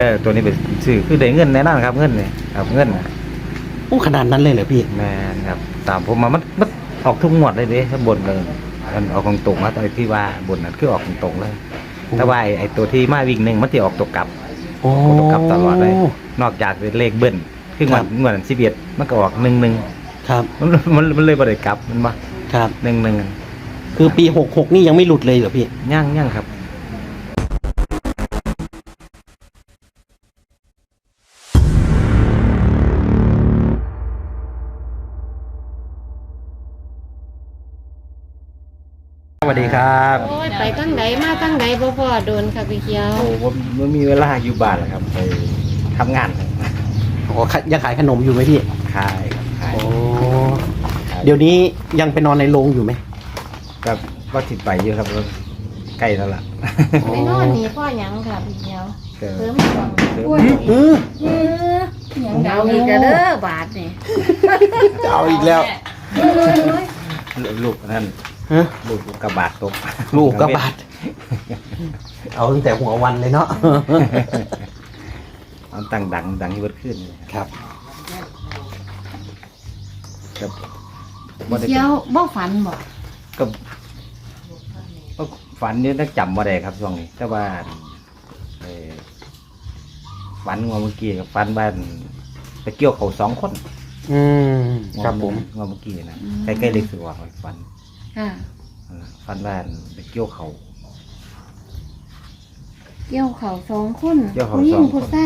ตัวนี้เป็นสื่อคือได้เงินแน่นอนครับเงินเนี่ยครับเงินนะโอ้ขนาดนั้นเลยเหรอพี่แม่นครับตามผมมามันออกทุกงวดเลยเด้ถ้าบนเลยมันออกตรงๆนะตอนที่ว่าบนนั้นคือออกตรงๆเลยแต่ว่าไอ้ตัวที่มาวิ่งหนึ่งมันจะออกตัวกลับโอ้ตัวกลับตลอดเลยนอกจากเป็นเลขเบิ้ลคืองวด11มันก็ออก11 ครับมันเลยบ่ได้กลับมันมาครับ 11 คือปี66นี่ยังไม่หลุดเลยเหรอพี่ย่างครับสวัสดีครับโอ้ยไปตั้งใดมาตั้งใดบ่พอโดนค่ะพี่เขียวโอ้ผมมีเวลาอยู่บ้านแล้วครับไปทำงานครับโอ้ยังขายขนมอยู่ไหมพี่ขายครับขายโอ้เดี๋ยวนี้ยังไปนอนในโรงอยู่ไหมก็ว่าติดไปเยอะครับใกล้แล้วล่ะไปนอนนี่พ่อหยังค่ะพี่เขียวก็เสริมก่อนเออหยังเดาอีกเด้อบาทนี่จะเอาอีกแล้วลูกนั่นฮะลูกกระบาดตกลูกกระบาด เอาตั้งแต่หัววันเลยเนาะเอาตั้งดังที่เบิดขึ้นเลยครับครับพี่เขียวบ่ฝันบ่ก็ฝันนี่ต้องจำมาได้ครับช่วงนี้แต่ว่าฝันงวเมื่อกี้กับฝันบ้านไปเกี่ยวเขา2 คนอืมครับผมงวเมื่อกี้นะใกล้ๆเล็กสุดว่าฝันค่ะฝันบ้านไปเกี่ยวเขาเกี่ยวเขา2 คนเกี่ยวเขาผู้หญิง 2 คนผู้ชาย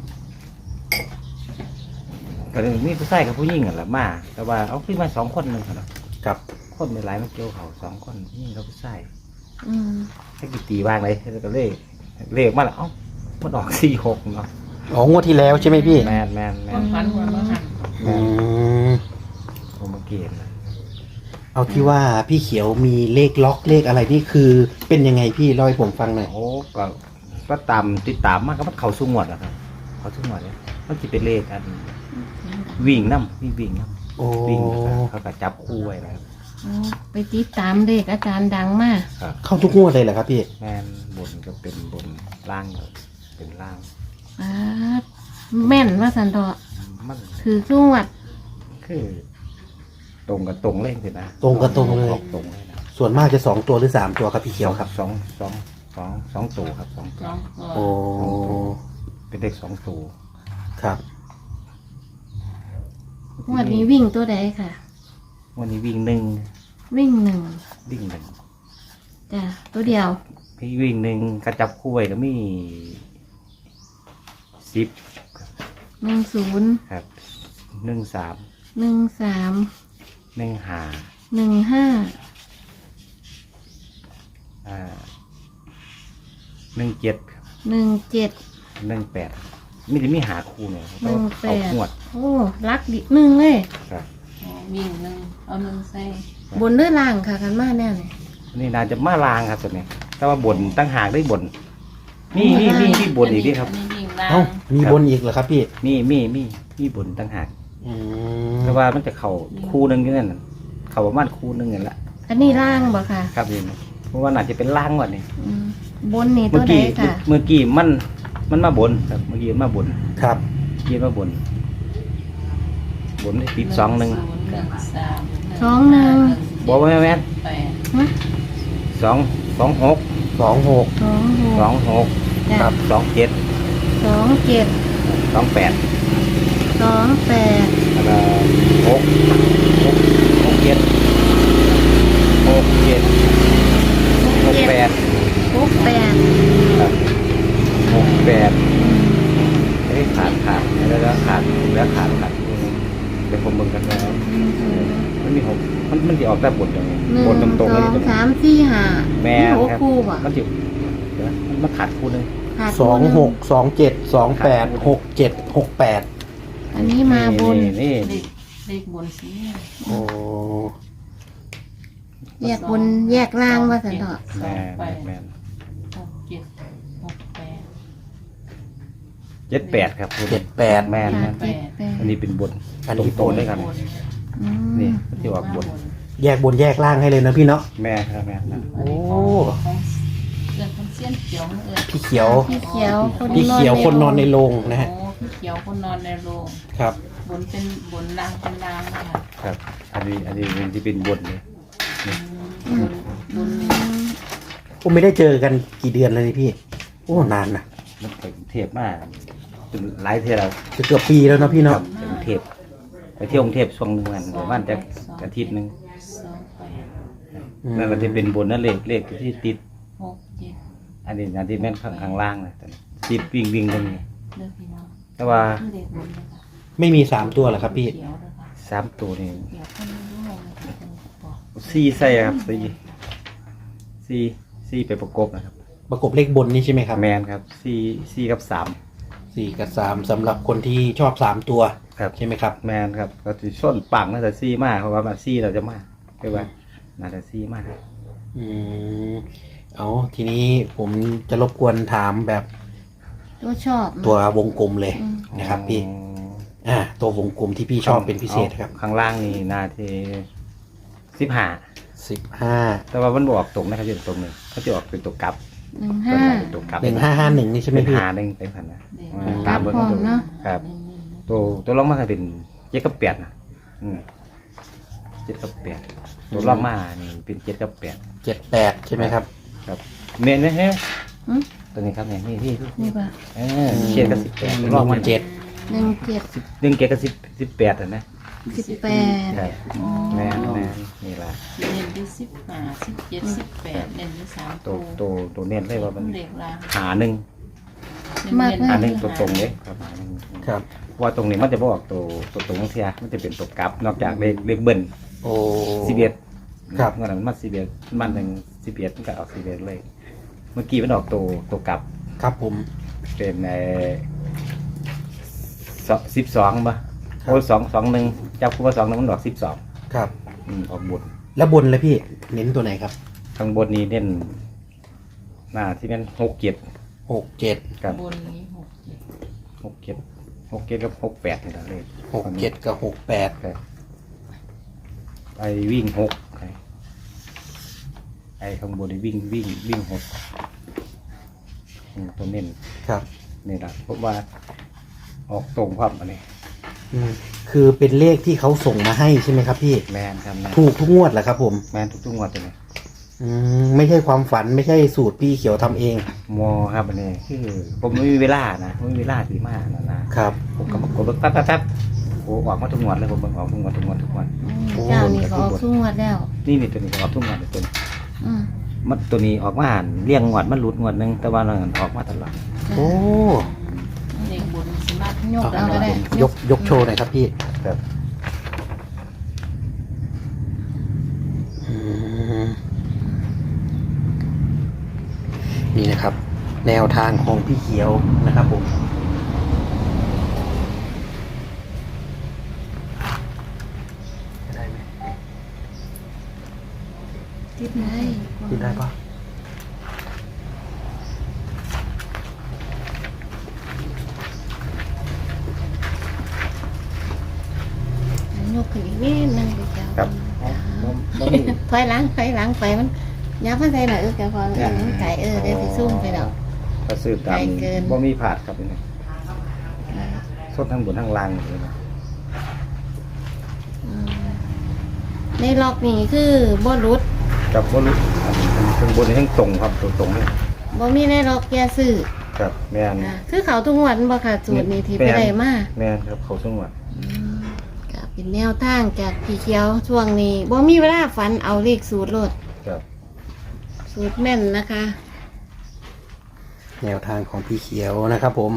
ก็เลยมีผู้ชายกับผู้หญิงกันละมาแต่ว่าเอาขึ้นมา2 คนหนึงครับครับคนไม่หลายมาเกี่ยวเขา2 คนผู้หญิงกับผู้ชายอืมถ้ากี่ตีบ้างเลยแล้วก็เลขมาแล้วเอ้ามันออก46เนาะอ๋องวดที่แล้วใช่ไหมพี่แมนฝันหัวมาหันอืมผมมาเกียนนะเอาที่ว่าพี่เขียวมีเลขล็อกเลขอะไรนี่คือเป็นยังไงพี่เล่าให้ผมฟังหน่อยโอ้ก็ตามติดตามมากก็มันเขาสุ่งวดนะครับเขาสุ่งวดเนี่ยมันจะเป็นเลขอันวิ่งน้ำวิ่งน้โอ้ำวิ่งเขาก็จับคู่ไว้นะครับอ๋อไปติดตามเด็กอาจารย์ดังมากครับเข้าทุกงวดเลยเหรอครับพี่แมนบนก็เป็นบนล่างก็เป็นล่างอ่าแม่นว่าสันเถาะมันคือสวดคือตรงกับตรงเล่นสินะตรงกับตรงเลยออกตรงเลยนะส่วนมากจะ2 ตัวหรือ3 ตัวครับพี่เขียวครับสองตัวครับ2 สตัวองตัวโอ้เป็นเลข2 ตัวครับงวดนี้วิ่งตัวใดค่ะวันนี้วิ่ง1 วิ่ง1 วิ่งจ้ะตัวเดียว 1พี่วิ่ง1กระจับคู่ไว้ก็มี10 10 ครับ13 13 15 15 17ครับ 17 18มีแต่มีหาคู่เนี่ยเขาเอาขวดโอ้รักดิหนึ่งเลยครับวิ่งหนึ่งเอาหนึ่งใส่บนด้วยล่างค่ะกันมาแน่เลยนี่น่าจะมาลางครับตัวนี้แต่ว่าบนตั้งหากได้บนมีบนอีกด้วยครับอันนี้วิ่งล่างเอ้ามีบนอีกเหรอครับพี่มีบนตั้งหากอืมแต่ว่ามันจะเข่าคู่หนึงอยู่นั่นน่ะเข่าประมาณคู่หนึงนี่แหละอันนี้ล่างบ่ค่ะครับนี่เพราะว่าน่าจะเป็นล่างก่อนนี่อืมบนนี่ตัเมื่วอใดกี้ค่ะเมื่อกี้มันมาบนครับเมื่อกี้มันมาบนครับมาบนได้ติด2 1 1 3 บอกว่าแม่น 8 ฮะ 2 6 26 26 2 6 จ้ะ 2 7 27 2 8 28 แล้วก็6 7 8 68 ครับ68ไอ้ขาดแล้วก็ขาดเป็นผมเบิ่งกันแล้วมันมี6มันจะออกแต่บนตรงนี้ 1 บนตรงๆเลย 2 3 4 5 แม่หกครับคู่บ่มันจะเดี๋ยวมันขาดคู่นึงขาดคู่หนึ่ง 26 27 28 67 68 อันนี้มาบนนี่เลขบนสีโอ้แยกบนแยกล่างว่าสันเถาะแม่แม่ 6 7 6 78ครับ 78 แม่ค่ะแม่ 78 อันนี้เป็นบนอันนี้ตรงๆด้วยกันอืมนี่มันจะออกบนแยกบนแยกล่างให้เลยนะพี่เนาะแม่ครับแม่นะโอ้เลือกคนเส้นเขียวนั่นเองพี่เขียวพี่เขียวคนพี่เขียวคนนอนในโรงนะฮะโอ้พี่เขียวคนนอนในโรงครับบนเป็นบนนางเป็นนางนะคะครับ อันนี้มันที่เป็นบนเลยบนนี้ผมไม่ได้เจอกันกี่เดือนเลยนี่พี่ โอ้นานนะมันไปกรุงเทพมากจนหลายเทศแล้วจะเกือบปีแล้วเนาะพี่คเนาะรับไปกรุงเทพไปเที่ยวกรุงเทพช่วงหนึงวันประมาณจะอาทิตย์หนึง 28 นั่นก็จะเป็นบนนั่นเลขที่ติด 67 อันนี้แม่นข้างล่างนะตอนนี้ติดวิ่งตรงนี้เลือกพี่น้องแต่ว่าเลขบนเลยค่ะไม่มี3 ตัวเหรอครับพี่เขียวเลยค่ะ 3 ตัวนี่เขียวคนรู้เลยนะคะเป็นบอก 4ใส่ครับ4ไปประกบนะครับประกบเลขบนนี่ใช่ไหมครับแมนครับ4กับ3 4 กับ 3สำหรับคนที่ชอบ3 ตัวครับใช่ไหมครับแมนครับก็จะส้นปังน่าจะ4มากเพราะว่ามา4เราจะมากคือว่าน่าจะ4มากอืมเอาทีนี้ผมจะรบกวนถามแบบตัวชอบตัววงกลมเลยอืมนะครับพี่ตัววงกลมที่พี่ชอบเป็นพิเศษครับข้างล่างนี่นาที15 15 แต่ว่ามันบอกตรงนะครับอยู่ตรงหนึงเขาจะออกเป็นตัวกลับ 15 เป็นตัวกลับ 1551นี่ใช่ไหมเป็นพี่หาหนึ่งเป็นพันนะกลับพร้อมเนาะครับ ตัวรองมาเป็น7กับ8นะ7กับ8ตัวรองมานี่เป็น7กับ8 78ใช่ไหมครับครับเมนนะฮะหึตัวนี้ครับเนี่ยนี่นี่ป่ะ 7กับ18ตัวรองมาเจ็ด 17 1 7กับ18อ่ะนะ 18 ครับแม่นี่ล่ะเน้นที่15 17 18เน้นที่3 ตัวเน้นเลยว่ามันเด็กลาหาหนึ่งมากเลยหาหนึ่งตัวตรงเลยครับหาหนึ่งครับว่าตรงนี้มันจะบอกตัวตรงเทียมันจะเป็นตัวกลับนอกจากเลขเบิ้ลโอ้ 11 ครับเมื่อนั้นมัน11มันหนึ่ง11มันก็ออก11เลย เมื่อกี้มันออกตัวกลับครับผมเป็น12ป่ะโอ้221จับคู่ว่า2มันออก12 ครับออกบนแล้วบนเลยพี่เน้นตัวไหนครับข้างบนนี้เน้นหน้าที่เป็น67 67 ครับบนนี้ 67กับ68นี่แหละเลย 67กับ68 ครับไปวิ่ง6ไอ้ข้างบนนี่วิ่ง6ตัวเน้นครับนี่แหละเพราะว่าออกตรงความอันนี้คือเป็นเลขที่เขาส่งมาให้ใช่ไหมครับพี่แมนครับแมนถูกทุกงวดเหรอครับผมแมนทุกงวดเลยไม่ใช่ความฝันไม่ใช่สูตรพี่เขียวทำเองมอครับอันนี้คือผมไม่มีเวลานะไม่มีเวลาดีมากนะครับ ผมก็มากดแป๊บโอ้ออกมาทุกงวดเลยผมออกทุกงวดเจ้านี่ก็ออกทุกงวดแล้วนี่ตัวนี้ก็ออกทุกงวดเลยตัวนี้อืมมันตัวนี้ออกมาเลี้ยงงวดมันหลุดงวดนึงแต่ว่าเราออกมาตลอดโอ้เด็กบนสามารถยกเอาก็ได้ยกโชว์หน่อยครับพี่ครับนี่นะครับ แนวทางของพี่เขียวนะครับผมได้ไหมติดไหนกินได้ปะยกขึ้นอีกนิดนึงเจ้าครับถอยหลังไปมันยับมันใส่หน่อยแกพอมันไก่เดี๋ยวสิซุ่มไปดอกก็ซื้อตามไกลเกินบ่มีผาดครับนี่สดทั้งบนทั้งล่างเลยนะในล็อกนี่คือบ่รุดกับบ่รู้ข้างบนนี่ทั้งตรงครับตรงเลยบ่มีในล็อกแกซื้อครับแม่นคือเขาทุกงวดบ่ค่ะสูตรนี้ที่ไปได้มาแม่นครับเขาสงวนก็เป็นแนวทางจากพี่เขียวช่วงนี้บ่มีเวลาฝันเอาเลขสูตรโลดครับสูตรแม่นนะคะแนวทางของพี่เขียวนะครับผม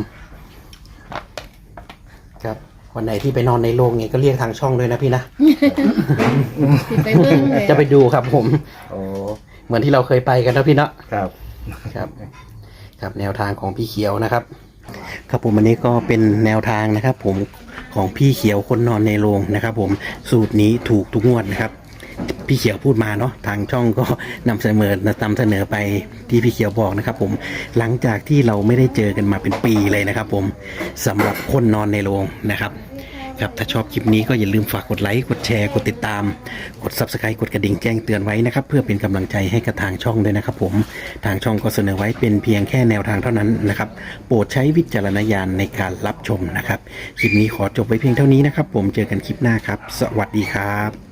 ครับวันไหนที่ไปนอนในโรงเนี่ยก็เรียกทางช่องด้วยนะพี่นะสิไปเบิ่งเลยจะไปดูครับผมโอ้เหมือนที่เราเคยไปกันนะพี่เนาะครับครับ ครับแนวทางของพี่เขียวนะครับ ครับผมอันนี้ก็เป็นแนวทางนะครับ ผมของพี่เขียวคนนอนในโรงนะครับ ผมสูตรนี้ถูกทุกงวดนะครับ พี่เขียวพูดมาเนาะทางช่องก็นำเสนอไปที่พี่เขียวบอกนะครับ ผมหลังจากที่เราไม่ได้เจอกันมาเป็นปีเลยนะครับ ผมสำหรับคนนอนในโรงนะครับครับถ้าชอบคลิปนี้ก็อย่าลืมฝากกดไลค์กดแชร์กดติดตามกด Subscribe กดกระดิ่งแจ้งเตือนไว้นะครับเพื่อเป็นกำลังใจให้กับทางช่องด้วยนะครับผมทางช่องก็เสนอไว้เป็นเพียงแค่แนวทางเท่านั้นนะครับโปรดใช้วิจารณญาณในการรับชมนะครับคลิปนี้ขอจบไว้เพียงเท่านี้นะครับผมเจอกันคลิปหน้าครับสวัสดีครับ